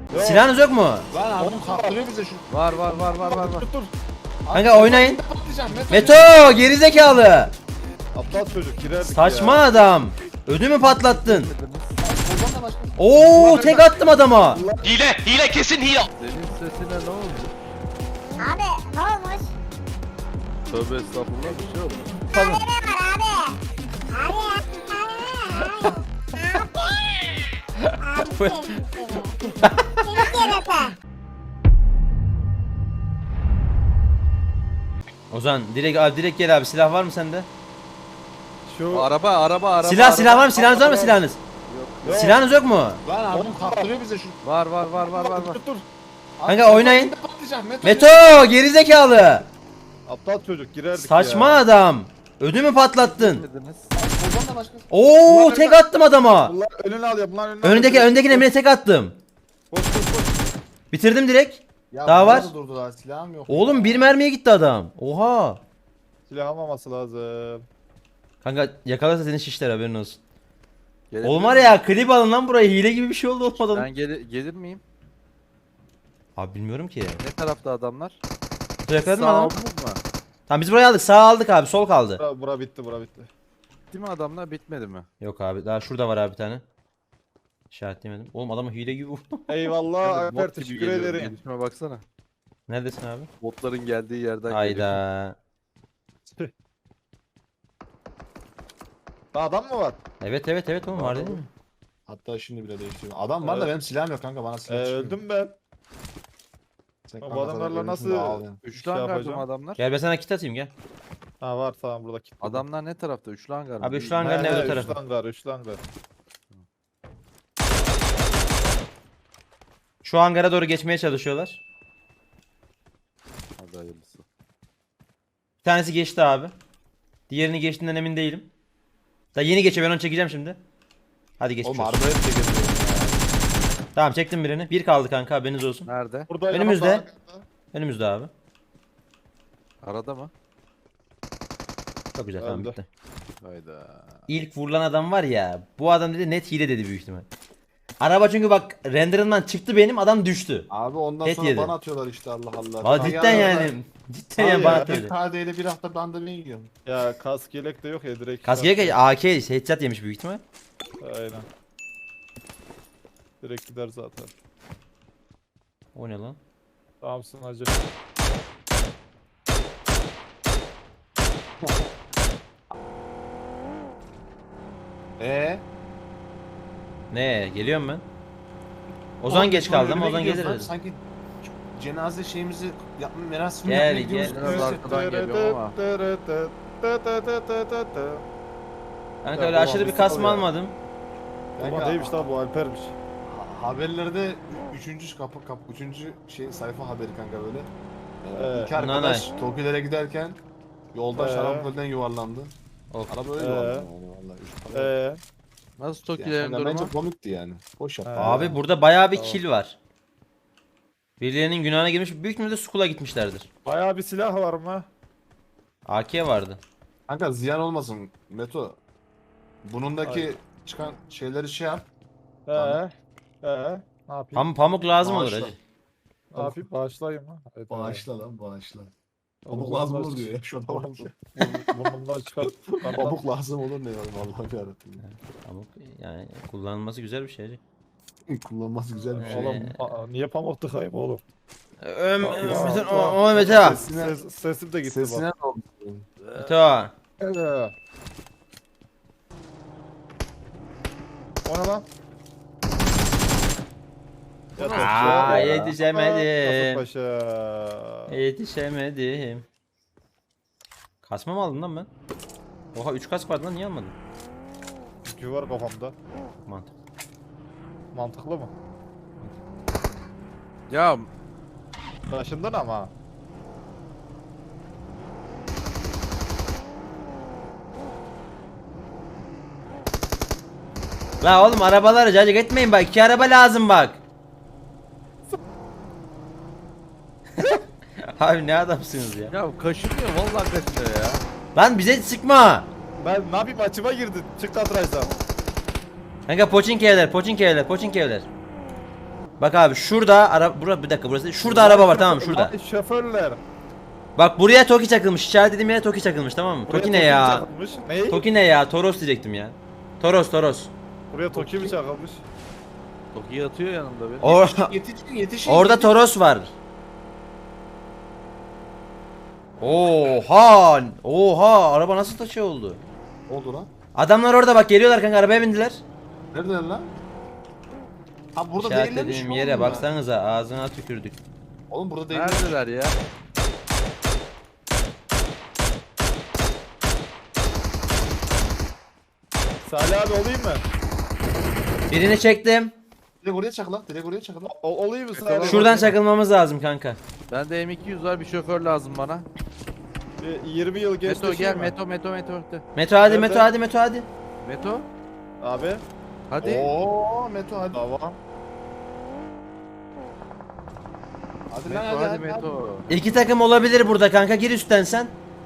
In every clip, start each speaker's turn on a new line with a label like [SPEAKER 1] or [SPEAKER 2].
[SPEAKER 1] Yok.
[SPEAKER 2] Silahınız yok mu?
[SPEAKER 1] Lan abi kaptırıyor bize şu.
[SPEAKER 3] Var.
[SPEAKER 1] Dur.
[SPEAKER 2] Kanka oynayın.
[SPEAKER 1] Patlayacağım
[SPEAKER 2] Meto gerizekalı.
[SPEAKER 1] Aptal çocuk girerdik
[SPEAKER 2] Saçma
[SPEAKER 1] ya.
[SPEAKER 2] adam. Ödümü patlattın.
[SPEAKER 1] Oradan da başka.
[SPEAKER 2] Oo tek attım adama.
[SPEAKER 4] Hile kesin hile.
[SPEAKER 3] Senin sesine ne oldu?
[SPEAKER 5] Abi ne olmuş?
[SPEAKER 3] Tövbe estağfurullah bir şey oldu.
[SPEAKER 5] Abi ne var abi? Abi seni yarata.
[SPEAKER 2] Ozan direkt gel abi, silah var mı sende?
[SPEAKER 1] Şu
[SPEAKER 3] Araba.
[SPEAKER 2] Silah var mı? Silahınız var mı silahınız?
[SPEAKER 1] Yok.
[SPEAKER 2] Silahınız yok mu?
[SPEAKER 1] Lan abi kaptırıyor bize şu.
[SPEAKER 3] Var.
[SPEAKER 1] Dur.
[SPEAKER 2] Kanka oynayın.
[SPEAKER 1] Patlayacağım
[SPEAKER 2] Meto gerizekalı.
[SPEAKER 1] Aptal çocuk girerdik
[SPEAKER 2] Saçma
[SPEAKER 1] ya.
[SPEAKER 2] adam. Ödümü patlattın.
[SPEAKER 3] Dediniz.
[SPEAKER 1] Oradan da başka.
[SPEAKER 2] Oo tek attım adama.
[SPEAKER 1] Bunlar önüne alıyor. Bunlar önüne alıyor.
[SPEAKER 2] Öndeki Emre'ye tek attım.
[SPEAKER 1] Koş.
[SPEAKER 2] Bitirdim direkt.
[SPEAKER 1] Ya
[SPEAKER 2] Daha
[SPEAKER 1] bunlar
[SPEAKER 2] var.
[SPEAKER 1] da durdular. Silahım yok.
[SPEAKER 2] Oğlum bir mermiye gitti adam. Oha.
[SPEAKER 1] Silah almaması lazım.
[SPEAKER 2] Kanka yakalarsa senin şişler, haberin olsun.
[SPEAKER 3] Gelebilir
[SPEAKER 2] Oğlum var
[SPEAKER 3] miyim?
[SPEAKER 2] ya, klip alın lan buraya, hile gibi bir şey oldu olmadan.
[SPEAKER 3] Ben gelir miyim?
[SPEAKER 2] Abi bilmiyorum ki.
[SPEAKER 3] Ne tarafta adamlar?
[SPEAKER 2] Yakaladın mı
[SPEAKER 3] Sağ
[SPEAKER 2] adamı?
[SPEAKER 3] oldunuz mu?
[SPEAKER 2] Tamam biz burayı aldık, sağ aldık abi, sol kaldı.
[SPEAKER 1] Bura bitti.
[SPEAKER 3] Bitti mi adamlar bitmedi mi?
[SPEAKER 2] Yok abi, daha şurada var abi bir tane. İşaretleyemedim. Oğlum adamı hile gibi vurdum.
[SPEAKER 1] Eyvallah
[SPEAKER 3] Bot
[SPEAKER 1] Alper,
[SPEAKER 3] gibi
[SPEAKER 1] teşekkür
[SPEAKER 3] geliyor.
[SPEAKER 1] ederim.
[SPEAKER 3] Gelişime baksana.
[SPEAKER 2] Neredesin abi?
[SPEAKER 3] Botların geldiği yerden geliyor.
[SPEAKER 2] Hayda.
[SPEAKER 1] Daha adam mı var?
[SPEAKER 2] Evet oğlum, var değil mi?
[SPEAKER 1] Hatta şimdi bile değiştiriyorum. Adam var da benim silahım yok kanka, bana silah çıkmıyor.
[SPEAKER 3] Öldüm.
[SPEAKER 1] Öldüm ben.
[SPEAKER 3] Sen
[SPEAKER 1] Bu
[SPEAKER 3] kanka
[SPEAKER 1] adamlarla
[SPEAKER 3] zaten
[SPEAKER 1] nasıl-
[SPEAKER 3] ölmüşsün de ağlayan.
[SPEAKER 1] şey
[SPEAKER 3] Üçlü hangar mı
[SPEAKER 1] yapacağım?
[SPEAKER 3] adamlar?
[SPEAKER 2] Gel ben sana kit atayım, gel.
[SPEAKER 1] Ha var, tamam burada kilitli.
[SPEAKER 3] Adamlar ne tarafta? Üçlü hangar mı?
[SPEAKER 2] Abi üçlü hangarın evde tarafı.
[SPEAKER 1] Üçlü hangar.
[SPEAKER 2] Şu hangara doğru geçmeye çalışıyorlar.
[SPEAKER 3] Hadi hayırlısı.
[SPEAKER 2] Bir tanesi geçti abi. Diğerini geçtiğinden emin değilim. Daha yeni geçiyor, ben onu çekeceğim şimdi. Hadi geçmiş
[SPEAKER 1] Oğlum
[SPEAKER 2] olsun.
[SPEAKER 1] arabaya bile getiriyorum ya.
[SPEAKER 2] Tamam çektim birini. Bir kaldı kanka, haberiniz olsun.
[SPEAKER 3] Nerede?
[SPEAKER 1] Burada
[SPEAKER 2] Önümüzde.
[SPEAKER 1] yanımda-
[SPEAKER 2] Önümüzde abi.
[SPEAKER 3] Arada mı?
[SPEAKER 2] Çok güzel, tamam
[SPEAKER 1] Öldü.
[SPEAKER 2] bitti.
[SPEAKER 3] Hayda.
[SPEAKER 2] İlk vurulan adam var ya, bu adam dedi net hile dedi büyük ihtimal. Araba çünkü bak renderından çıktı, benim adam düştü.
[SPEAKER 6] Abi ondan
[SPEAKER 2] Et
[SPEAKER 6] sonra
[SPEAKER 2] yedi.
[SPEAKER 6] bana atıyorlar işte, Allah Allah.
[SPEAKER 2] Valla cidden yani. Cidden yani bana
[SPEAKER 6] Bir
[SPEAKER 2] atıyor.
[SPEAKER 6] KD'yle bir hafta ben de ben yiyorum.
[SPEAKER 1] Ya kask yelek de yok ya, direkt.
[SPEAKER 2] Kaskeye AK headshot yemiş büyük ihtimal.
[SPEAKER 1] Aynen. Direkt gider zaten.
[SPEAKER 2] O ne lan?
[SPEAKER 1] Tamamsın hacı.
[SPEAKER 2] Ne geliyorum ben. Ozan geç kaldı ama Ozan gelir dedi.
[SPEAKER 6] Sanki cenaze şeyimizi yapma, merasimini
[SPEAKER 2] Gel,
[SPEAKER 6] yapmaya gidiyoruz.
[SPEAKER 2] gel.
[SPEAKER 3] Biraz arkadan geliyor ama.
[SPEAKER 2] Kanka
[SPEAKER 6] Ya
[SPEAKER 2] öyle
[SPEAKER 6] bu
[SPEAKER 2] aşırı bir
[SPEAKER 6] hangisi
[SPEAKER 2] kasma
[SPEAKER 6] oluyor?
[SPEAKER 2] almadım.
[SPEAKER 1] Ama değilmiş lan, bu Alper'miş.
[SPEAKER 6] Haberlerde üçüncü üçüncü şey sayfa haberi kanka böyle. İki
[SPEAKER 2] Nanay.
[SPEAKER 6] arkadaş Tokilere giderken yolda
[SPEAKER 1] Ee.
[SPEAKER 6] şarampolden yuvarlandı.
[SPEAKER 2] Of.
[SPEAKER 6] Araba öyle yuvarlandı yani vallahi. Üç tane.
[SPEAKER 3] Nasıl
[SPEAKER 6] Yani
[SPEAKER 3] Tokilerin
[SPEAKER 6] bence
[SPEAKER 3] durumu?
[SPEAKER 6] komikti yani. Boş yaptı.
[SPEAKER 2] Abi burada bayağı bir
[SPEAKER 1] Tamam.
[SPEAKER 2] kill var. Birilerinin günahına girmiş. Büyük ihtimalle Skull'a gitmişlerdir.
[SPEAKER 1] Bayağı bir silah var mı?
[SPEAKER 2] AK vardı.
[SPEAKER 6] Kanka ziyan olmasın Meto. Bunundaki
[SPEAKER 1] Ay.
[SPEAKER 6] çıkan şeyleri şey yap.
[SPEAKER 1] He.
[SPEAKER 6] Tamam.
[SPEAKER 1] He. Ne yapayım?
[SPEAKER 2] Pamuk lazım olur
[SPEAKER 6] Bağışla.
[SPEAKER 2] hacı.
[SPEAKER 1] Ne yapayım? Bağışlayayım mı? Evet,
[SPEAKER 6] Bağışla lan bağışla.
[SPEAKER 1] Oğlum,
[SPEAKER 6] Pamuk lazım
[SPEAKER 1] bunlar
[SPEAKER 6] olur diyor ya. Şuna bak.
[SPEAKER 1] Burnumdan çıkar.
[SPEAKER 6] Pamuk lazım olur ne ya, vallahi yarabbim.
[SPEAKER 2] Pamuk yani kullanılması güzel bir şey hacı.
[SPEAKER 6] Kullanması güzel bir şey.
[SPEAKER 1] Oğlum niye pamuk tıkayım oğlum?
[SPEAKER 2] O Mete.
[SPEAKER 1] Sesim de gitti
[SPEAKER 6] Sesine
[SPEAKER 1] bak.
[SPEAKER 6] ne oldu?
[SPEAKER 2] Mete.
[SPEAKER 1] Evet. O ne lan?
[SPEAKER 2] Aa, yetişemedim.
[SPEAKER 1] Kasımpaşa.
[SPEAKER 2] Yetişemedim. Kasma mı aldın lan ben? Oha 3 kask vardı lan, niye almadın?
[SPEAKER 1] Çünkü var kafamda.
[SPEAKER 2] Mantık.
[SPEAKER 1] Mantıklı mı?
[SPEAKER 3] Ya
[SPEAKER 1] Taşındın ama.
[SPEAKER 2] La oğlum arabaları cacık etmeyin bak, 2 araba lazım bak. Abi ne adamsınız ya.
[SPEAKER 3] ya kaşınıyor vallahi kaşınıyor ya.
[SPEAKER 2] Lan bize sıkma.
[SPEAKER 1] Ben ne yapayım, açıma girdin. Çık kadrajdan.
[SPEAKER 2] Kanka poçinki evler. Bak abi şurada bir dakika burası. Şurada araba var tamam mı? Şurada.
[SPEAKER 3] Ay, şoförler.
[SPEAKER 2] Bak buraya Toki çakılmış. İşaretlediğim yere Toki çakılmış tamam mı? Toki ne ya?
[SPEAKER 3] Ne?
[SPEAKER 2] Toki ne ya? Toros diyecektim ya. Toros.
[SPEAKER 7] Buraya Toki mi çakılmış?
[SPEAKER 3] Toki atıyor yanımda bir.
[SPEAKER 6] Yetişin.
[SPEAKER 2] Orada Toros var. Oha araba nasıl taşı oldu?
[SPEAKER 6] Ne oldu lan?
[SPEAKER 2] Adamlar orada bak geliyorlar kanka arabaya bindiler.
[SPEAKER 6] Neredeler lan? Ha burada değillermiş
[SPEAKER 2] İşaretlediğim
[SPEAKER 6] oğlum
[SPEAKER 2] yere
[SPEAKER 6] ya.
[SPEAKER 2] baksanıza ağzına tükürdük.
[SPEAKER 6] Oğlum burada değiller.
[SPEAKER 3] Neredeler ya?
[SPEAKER 7] Salih abi olayım mı?
[SPEAKER 2] Birini çektim.
[SPEAKER 6] Direkt oraya çakıl lan. Direkt oraya çakıl lan.
[SPEAKER 7] Olayım mı Salih abi?
[SPEAKER 2] Şuradan çakılmamız lazım kanka.
[SPEAKER 3] Bende M200 var, bir şoför lazım bana.
[SPEAKER 7] 20 yıl geçti.
[SPEAKER 3] Meto gel,
[SPEAKER 7] mi?
[SPEAKER 3] Meto.
[SPEAKER 2] Meto hadi
[SPEAKER 7] Nerede?
[SPEAKER 2] Meto hadi.
[SPEAKER 3] Meto,
[SPEAKER 7] Abi.
[SPEAKER 3] hadi.
[SPEAKER 6] Oo Meto hadi.
[SPEAKER 7] Tamam.
[SPEAKER 6] Hadi lan
[SPEAKER 3] Meto, hadi Meto.
[SPEAKER 2] İki takım olabilir burada kanka gir üstten sen.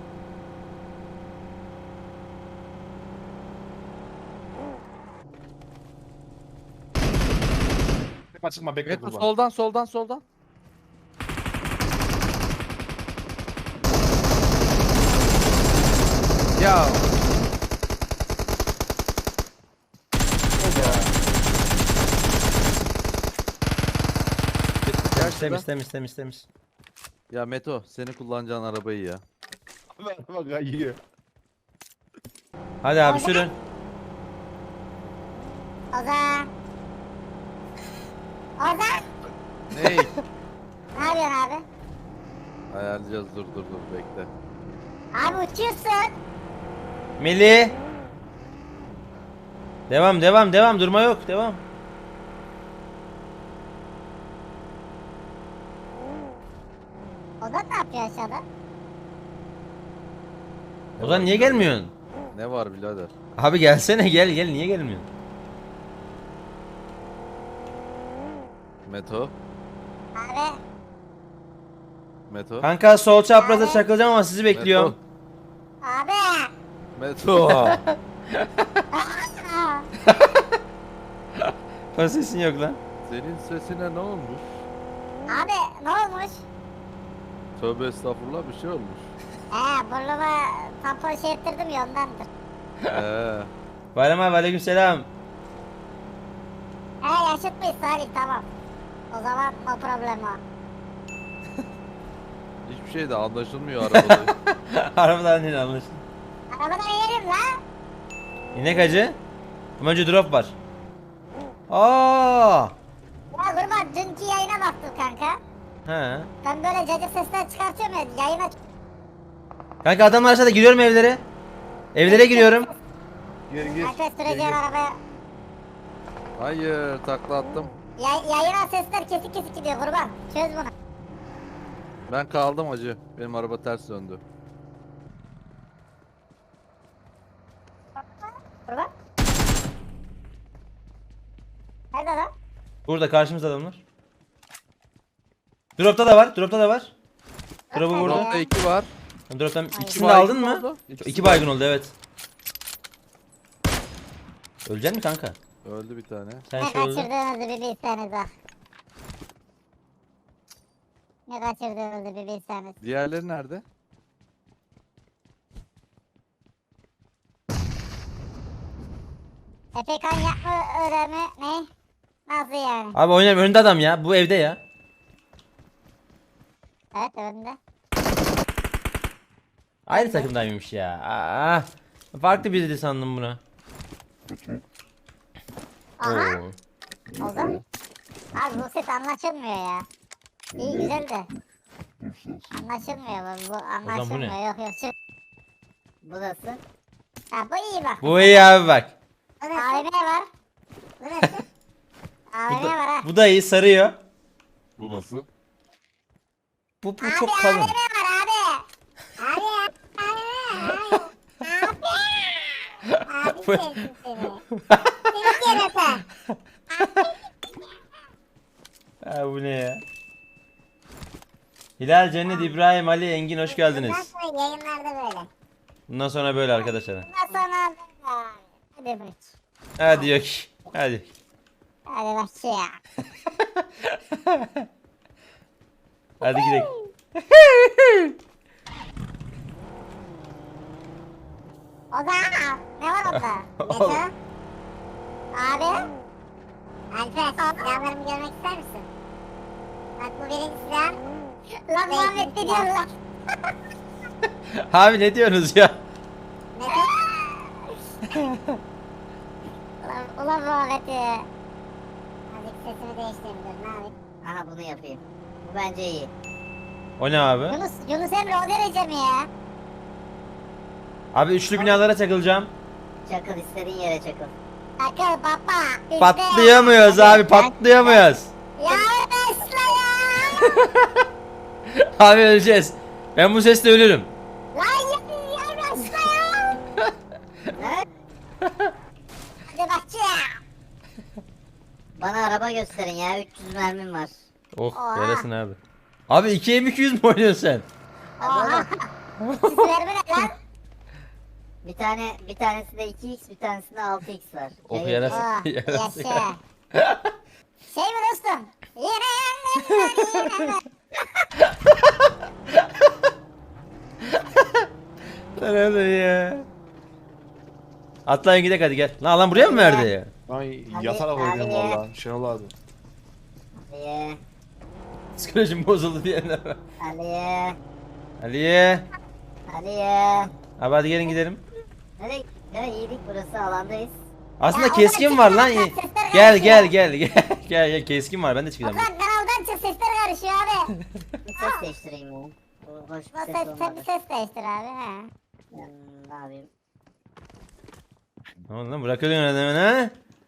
[SPEAKER 6] Çıkma bekle
[SPEAKER 3] Meto
[SPEAKER 6] kurban.
[SPEAKER 3] soldan. Ya.
[SPEAKER 2] Temiz.
[SPEAKER 3] Ya Meto, seni kullanacağın arabayı ya.
[SPEAKER 7] Bak kayıyor.
[SPEAKER 2] Hadi abi sürün.
[SPEAKER 5] Ozan. Ozan.
[SPEAKER 3] Ney?
[SPEAKER 5] Ne yapıyorsun abi?
[SPEAKER 3] Ayarlayacağız, dur bekle.
[SPEAKER 5] Abi uçuyorsun.
[SPEAKER 2] Melih. Devam durma yok devam.
[SPEAKER 5] Ozan ne yapıyor aşağıda?
[SPEAKER 2] Ozan niye gelmiyorsun?
[SPEAKER 3] Ne var birader?
[SPEAKER 2] Abi gelsene gel niye gelmiyorsun?
[SPEAKER 3] Meto,
[SPEAKER 5] Abi.
[SPEAKER 3] Meto.
[SPEAKER 2] Kanka sol çapraza çakılacağım ama sizi bekliyorum.
[SPEAKER 5] Abi.
[SPEAKER 3] Meto.
[SPEAKER 5] Aa,
[SPEAKER 2] O sesin yok lan.
[SPEAKER 3] Senin sesine ne olmuş?
[SPEAKER 5] abi ne olmuş?
[SPEAKER 3] Tövbe estağfurullah, bir şey olmuş.
[SPEAKER 5] Burnuma tampon şey ettirdim ya ondandır.
[SPEAKER 2] Bayram abi aleykümselam.
[SPEAKER 5] Yaşıt mıyız Salih tamam. O zaman no problem o.
[SPEAKER 3] Hiçbir şey de anlaşılmıyor arabada.
[SPEAKER 2] Arabadan değil anlaşıldı.
[SPEAKER 5] Arabadan inelim la.
[SPEAKER 2] İnek hacı. Ama önce drop var. Aa!
[SPEAKER 5] Ya kurban dünkü yayına baktım kanka.
[SPEAKER 2] He.
[SPEAKER 5] Ben böyle cacık sesler çıkartıyorum ya yayına.
[SPEAKER 2] Kanka adamlar aşağıda giriyorum evlere. Evlere giriyorum.
[SPEAKER 7] Gir.
[SPEAKER 5] Kanka süreceğin arabaya.
[SPEAKER 3] Hayır, takla attım.
[SPEAKER 5] Yayına sesler kesik gidiyor kurban. Çöz bunu.
[SPEAKER 3] Ben kaldım hacı. Benim araba ters döndü.
[SPEAKER 5] Kurban. Nerede lan?
[SPEAKER 2] Burada karşımızda adamlar. Dropta da var. Drop'u vurdu.
[SPEAKER 3] Dropta 2 var.
[SPEAKER 2] Drop'tan
[SPEAKER 5] İki
[SPEAKER 2] ikisini de
[SPEAKER 3] baygın
[SPEAKER 2] aldın mı?
[SPEAKER 3] oldu.
[SPEAKER 2] İki baygın oldu evet. Ölecek mi kanka?
[SPEAKER 3] Öldü bir tane.
[SPEAKER 2] Sen
[SPEAKER 5] Ne
[SPEAKER 2] şey öldün.
[SPEAKER 5] kaçırdığınızı bir bilseniz bak. Ne kaçırdığınızı bir bilseniz.
[SPEAKER 3] Diğerleri nerede?
[SPEAKER 5] Efekan yapma öğrenme ne? Nasıl yani?
[SPEAKER 2] Abi oynayayım önünde adam ya. Bu evde ya.
[SPEAKER 5] Evet önünde.
[SPEAKER 2] Aynı takımdaymış ya. Farklı biri sandım buna.
[SPEAKER 5] Aha.
[SPEAKER 2] Oo.
[SPEAKER 5] Ozan. Abi bu set anlaşılmıyor ya. İyi güzel de. Anlaşılmıyor bu anlaşılmıyor. Yok şu. Bu nasıl? Ha bu iyi bak.
[SPEAKER 2] Bu iyi abi bak.
[SPEAKER 5] AVM var. Bu nasıl? AVM var ha.
[SPEAKER 2] Bu da iyi sarıyor.
[SPEAKER 6] Bu nasıl?
[SPEAKER 2] Bu
[SPEAKER 5] Abi
[SPEAKER 2] çok kalın.
[SPEAKER 5] AVM var abi. Abi AVM. Abi sevdim seni. Seni yaratan.
[SPEAKER 2] Ha, bu ne ya? Hilal, Cennet, İbrahim, Ali, Engin hoş geldiniz.
[SPEAKER 5] Bundan sonra yayınlarda böyle.
[SPEAKER 2] Bundan sonra böyle arkadaşlar.
[SPEAKER 5] Bundan sonra hadi bırak.
[SPEAKER 2] Hadi yok. Hadi.
[SPEAKER 5] Hadi bakayım.
[SPEAKER 2] Hadi gidelim.
[SPEAKER 5] O da ne var orada? Neto? Abi? Alper silahlarımı görmek ister misin? Bak bu benim silahım. Lan Muhammed ne diyor lan?
[SPEAKER 2] Abi ne diyorsunuz ya?
[SPEAKER 5] Neto? ulan Muhammed ya. Hadi sesimi değiştireyim dur ne yapayım? Aha bunu yapayım. Bu bence iyi.
[SPEAKER 2] O ne abi?
[SPEAKER 5] Yunus Emre o derece mi ya?
[SPEAKER 2] Abi üçlü binalara çakılacağım.
[SPEAKER 5] Çakıl istediğin yere çakıl. Çakıl baba. bizde.
[SPEAKER 2] Patlayamıyoruz abi, patlayamıyoruz.
[SPEAKER 5] Ya Esra ya.
[SPEAKER 2] Abi öleceğiz. Ben bu sesle ölürüm.
[SPEAKER 5] Lan ya Esra ya. Hadi bakayım. Bana araba gösterin ya 300 mermim var.
[SPEAKER 2] Oh
[SPEAKER 5] Oha.
[SPEAKER 2] yarasın abi. Abi 2M200 mi oynuyorsun sen?
[SPEAKER 5] Oha. Siz verme ne lan? Bir tanesi de 2x bir tanesinde 6x var.
[SPEAKER 2] Oh
[SPEAKER 5] Yayın.
[SPEAKER 2] yarasın.
[SPEAKER 5] Oh,
[SPEAKER 2] yarasın.
[SPEAKER 5] yaşa. Şey mi dostum? Yine yine.
[SPEAKER 2] Sen öyle ya. Atlayın gidelim hadi gel. Lan buraya mı verdi ya?
[SPEAKER 6] Ay
[SPEAKER 5] Hadi,
[SPEAKER 6] yatarak oynuyorum
[SPEAKER 5] hadi.
[SPEAKER 6] valla. Şenol abi.
[SPEAKER 5] Aliye.
[SPEAKER 2] Psikolojim bozuldu diyenler var.
[SPEAKER 5] Aliye.
[SPEAKER 2] Aliye.
[SPEAKER 5] Aliye.
[SPEAKER 2] Abi hadi gelin gidelim.
[SPEAKER 5] Nereye? Ya iyilik burası alandayız.
[SPEAKER 2] Aslında
[SPEAKER 5] Ya
[SPEAKER 2] keskin
[SPEAKER 5] oradan
[SPEAKER 2] var
[SPEAKER 5] çık,
[SPEAKER 2] lan.
[SPEAKER 5] oradan sesler
[SPEAKER 2] Gel
[SPEAKER 5] karışıyor.
[SPEAKER 2] gel gel gel gel keskin var ben de çıkacağım.
[SPEAKER 5] Okan kanaldan çık sesler karışıyor abi.
[SPEAKER 8] Bir ses değiştireyim ya. Bu hoş bir ses
[SPEAKER 5] Sen
[SPEAKER 8] olmadı.
[SPEAKER 5] bir ses değiştir abi he.
[SPEAKER 8] Ne yapayım?
[SPEAKER 2] Ne oldu lan bırakıyorsun öyle hemen ha?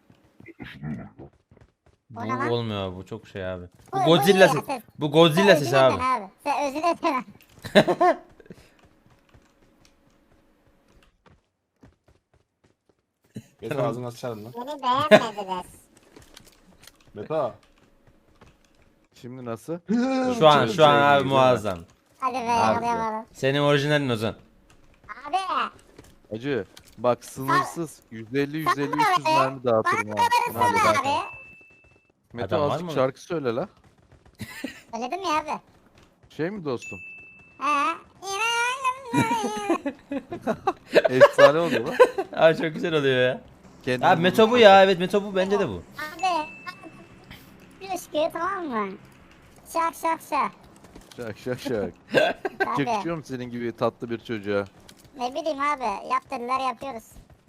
[SPEAKER 5] O ne lan?
[SPEAKER 2] Bu olmuyor abi bu çok şey abi. Bu
[SPEAKER 5] Bu
[SPEAKER 2] Godzilla
[SPEAKER 5] iyi
[SPEAKER 2] sesi.
[SPEAKER 5] ya, ses.
[SPEAKER 2] Bu Godzilla
[SPEAKER 5] Sen
[SPEAKER 2] sesi
[SPEAKER 5] özür
[SPEAKER 2] abi.
[SPEAKER 5] dilen Sen özür dilen.
[SPEAKER 6] Mete ağzını açarım lan.
[SPEAKER 5] Beni beğenmediler.
[SPEAKER 6] Mete.
[SPEAKER 3] Şimdi nasıl?
[SPEAKER 2] Şu an
[SPEAKER 3] Şey
[SPEAKER 2] abi
[SPEAKER 3] gibi,
[SPEAKER 2] muazzam.
[SPEAKER 5] Hadi be
[SPEAKER 2] Abi.
[SPEAKER 5] yakalayamadım.
[SPEAKER 2] Senin orijinalin Ozan.
[SPEAKER 5] Abi.
[SPEAKER 3] Acı. Bak sınırsız 150 150 300
[SPEAKER 5] Bana
[SPEAKER 3] mermi dağıtırım ha.
[SPEAKER 5] Bana
[SPEAKER 3] Hadi
[SPEAKER 5] sana
[SPEAKER 3] bakalım.
[SPEAKER 5] abi.
[SPEAKER 3] Mete
[SPEAKER 2] Adam var
[SPEAKER 3] azıcık
[SPEAKER 2] mı?
[SPEAKER 3] şarkı söyle la.
[SPEAKER 5] Söyledim ya abi.
[SPEAKER 3] Şey mi dostum?
[SPEAKER 5] He.
[SPEAKER 3] Efsane oluyor lan.
[SPEAKER 2] Abi çok güzel oluyor ya.
[SPEAKER 3] Kendini
[SPEAKER 2] Abi Meto bu ya evet Meto bu bence de bu.
[SPEAKER 5] Abi. Bir ışkı tamam mı? Şak şak şak.
[SPEAKER 3] Şak şak şak.
[SPEAKER 5] Abi.
[SPEAKER 3] Yakışıyor mu senin gibi tatlı bir çocuğa?
[SPEAKER 5] Ne bileyim abi. Yap dediler yapıyoruz.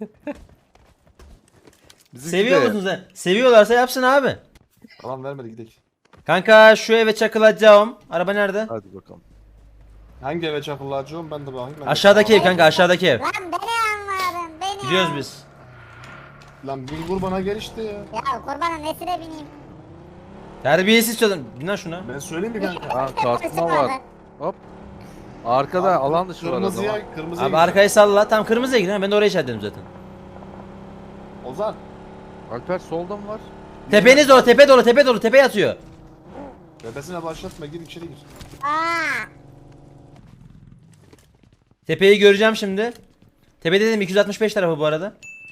[SPEAKER 3] Bizimki
[SPEAKER 2] Seviyor
[SPEAKER 3] de-
[SPEAKER 2] musun sen? Seviyorlarsa yapsın abi.
[SPEAKER 6] Tamam vermedi gidelim.
[SPEAKER 2] Kanka şu eve çakılacağım. Araba nerede?
[SPEAKER 3] Hadi bakalım.
[SPEAKER 6] Hangi eve çakılacağım ben de bakayım. Ben de-
[SPEAKER 2] Aşağıdaki ev kanka aşağıdaki ev.
[SPEAKER 5] Lan beni anladın. Beni
[SPEAKER 2] Gidiyoruz
[SPEAKER 5] an-
[SPEAKER 2] biz.
[SPEAKER 6] Lan bir vur bana gel işte ya.
[SPEAKER 5] Ya kurbanın nesine bineyim?
[SPEAKER 2] Terbiyesiz çocuk. Bin lan şuna.
[SPEAKER 6] Ben söyleyeyim mi kanka?
[SPEAKER 3] Ha kasma var. Hop. Arkada
[SPEAKER 6] Abi,
[SPEAKER 3] alan dışı var o zaman.
[SPEAKER 6] Kırmızıya
[SPEAKER 2] Abi arkayı salla. Tam kırmızıya gidin. Ben de oraya işaretledim zaten.
[SPEAKER 6] Ozan.
[SPEAKER 3] Alper solda mı var?
[SPEAKER 2] Tepeniz dolu, tepe dolu, tepe dolu, tepe yatıyor.
[SPEAKER 6] Tepesine başlatma gir içeri gir.
[SPEAKER 5] Aa.
[SPEAKER 2] Tepeyi göreceğim şimdi. Tepe dedim 265 tarafı bu arada.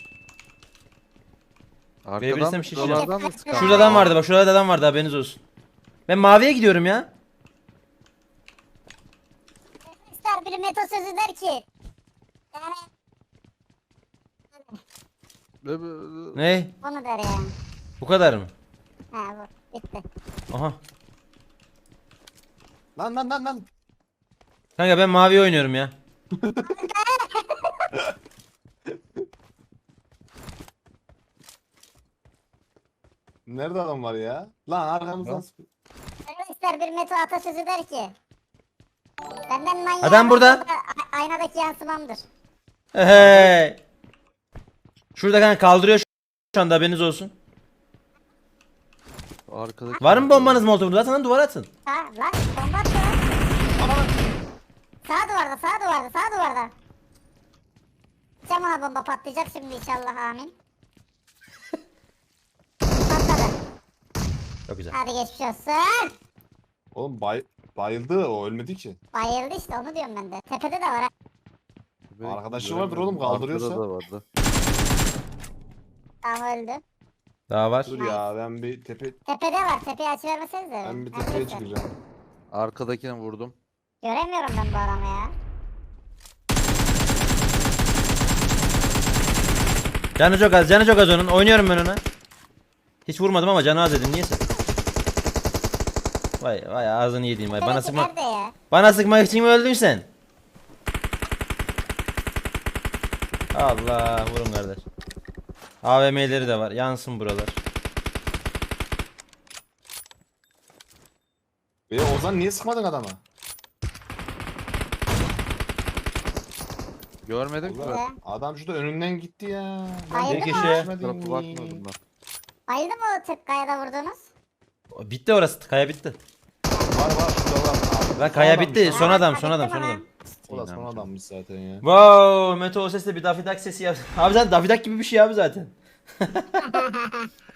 [SPEAKER 2] Verebilirsem
[SPEAKER 3] Arkadan
[SPEAKER 2] şişe.
[SPEAKER 3] şuralardan da sıkan.
[SPEAKER 2] Şurada adam vardı bak, şurada adam vardı haberiniz olsun. Ben maviye gidiyorum ya.
[SPEAKER 5] İster biri meto sözü der ki. Yani
[SPEAKER 2] Ne?
[SPEAKER 5] onu der ya.
[SPEAKER 2] Bu kadar mı?
[SPEAKER 5] Ha bu. Bitti.
[SPEAKER 2] Aha.
[SPEAKER 6] Lan.
[SPEAKER 2] Kanka ben maviye oynuyorum ya.
[SPEAKER 6] Nerede adam var ya? Lan arkamızdan sıkıyor.
[SPEAKER 5] İster bir meto atasözü der ki. Benden manyak.
[SPEAKER 2] Adam burada.
[SPEAKER 5] Aynadaki yansımamdır.
[SPEAKER 2] Hey. Şurada kanka kaldırıyor şu anda haberiniz olsun.
[SPEAKER 3] Arkadaki
[SPEAKER 2] Var mı bombanız molotofunuz? Atın lan duvara atın.
[SPEAKER 5] Ha lan bomba attı lan. Sağ duvarda sağ duvarda sağ duvarda. Cam ona bomba patlayacak şimdi inşallah amin. Patladı.
[SPEAKER 2] Çok güzel.
[SPEAKER 5] Hadi geçmiş olsun.
[SPEAKER 6] Oğlum bayıldı o ölmedi ki.
[SPEAKER 5] Bayıldı işte onu diyorum ben de. Tepede de var ha.
[SPEAKER 6] Arkadaşı vardır oğlum, kaldırıyorsa.
[SPEAKER 3] Arkada da vardı.
[SPEAKER 5] Tamam öldü.
[SPEAKER 2] Daha var.
[SPEAKER 6] Dur ya ben bir
[SPEAKER 5] Tepede var. Tepeyi açıvermesenize.
[SPEAKER 6] ben bir tepeye çıkacağım.
[SPEAKER 3] Arkadakini vurdum.
[SPEAKER 5] Göremiyorum ben bu adamı ya.
[SPEAKER 2] Canı çok az onun. Oynuyorum ben ona. Hiç vurmadım ama canı az dedim. Niyeyse. Vay ağzını yediğim vay.
[SPEAKER 5] Tepedeki nerede ya?
[SPEAKER 2] Bana sıkmak için mi öldün sen? Allah vurun kardeş. AVM'leri de var. Yansın buralar.
[SPEAKER 6] Ozan niye sıkmadın adama?
[SPEAKER 3] Görmedim ki.
[SPEAKER 6] Ulan, adam şurada önünden gitti ya.
[SPEAKER 5] Hayır,
[SPEAKER 2] Bir
[SPEAKER 5] değil mi?
[SPEAKER 2] kişi.
[SPEAKER 3] Bu tarafa bakmadım ben.
[SPEAKER 5] Bayıldı mı o tıp kayada vurdunuz?
[SPEAKER 2] Bitti orası. Kaya bitti.
[SPEAKER 6] Var şurada var. Abi,
[SPEAKER 2] Lan kaya
[SPEAKER 6] son
[SPEAKER 2] bitti.
[SPEAKER 6] adammış.
[SPEAKER 2] Son adam.
[SPEAKER 6] O da son adammış zaten ya.
[SPEAKER 2] Wow, Meto o sesle bir dafidak sesi yap. Abi zaten dafidak gibi bir şey abi zaten.